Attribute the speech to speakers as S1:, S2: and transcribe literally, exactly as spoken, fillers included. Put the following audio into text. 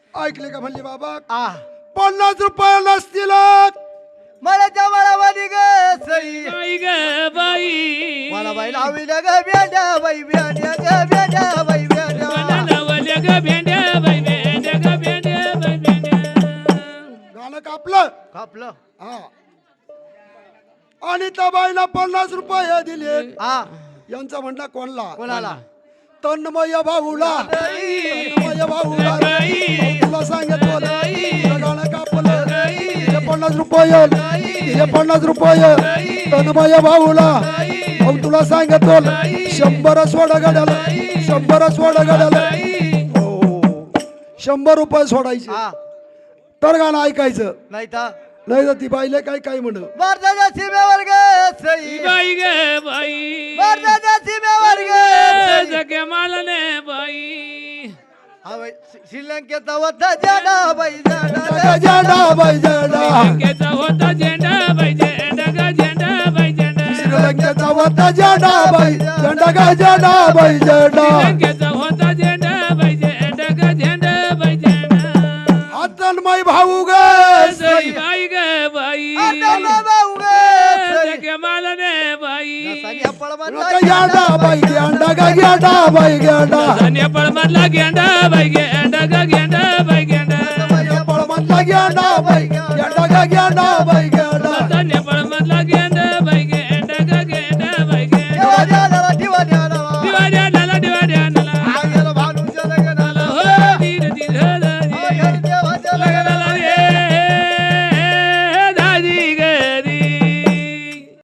S1: ऐकले का म्हणले बाबा
S2: आ
S1: पन्नास रुपये नसतील
S2: मला जवळ वाली ग सई
S3: बाई ग बाई
S2: मला बाई लावी ग भेंड्या बाई भेंड्या ग भेंड्या बाई भेंड्या
S3: लावल्या ग भेंड्या बाई भेंड्या ग भेंड्या बाई भेंड्या
S1: गाणं कापलं
S2: कापलं
S1: हा आणि त्या बाईला पन्नास रुपये दिले
S2: आ
S1: यांचा म्हणला कोणला
S2: कोणाला
S1: तन्मय भाऊला तन्मय भाऊला तुला सांगितलं तुझं गाणं कापलं तिथे पन्नास रुपये तिथे पन्नास रुपये तन्मय भाऊला अहो तुला सांगितलं शंभर सोडा गाड्याला शंभर सोडा गाड्याला हो शंभर रुपये सोडायचे
S2: आ
S1: तर गाणं ऐकायचं
S2: नाही तर
S1: नाही तर ती बाईले काय काय म्हण
S2: भारताच्या सीमेवर ग सई
S3: बाई ग बाई
S2: भारताच्या सीमेवर ग सई
S3: जगे मालने बाई
S2: हा बाई श्री- श्रीलंकेचा होता जाडा बाई जाडा
S1: झेंडा बाई झेंडा
S3: लंकेचा होता झेंडा बाई झेंडा ग झेंडा बाई झेंडा
S1: श्रीलंकेचा होता झेंडा बाई झेंडा गा झेंडा बाई झेंडा
S3: लंकेचा होता झेंडा बाई झेंडा ग झेंडा बाई झेंडा
S1: हातनमय भाऊ ग
S3: सई बाई ग बाई
S2: आता भाऊ ग सई
S3: जगे मालने बाई
S2: सानिया पळवानला
S1: झेंडा बाई झेंडा गा झेंडा बाई झेंडा
S3: धन्य पळमधला गेंडा बाई गेंडा ग गेंडा बाई गेंडा
S1: पळमधला झेंडा बाई झेंडा गा झेंडा बाई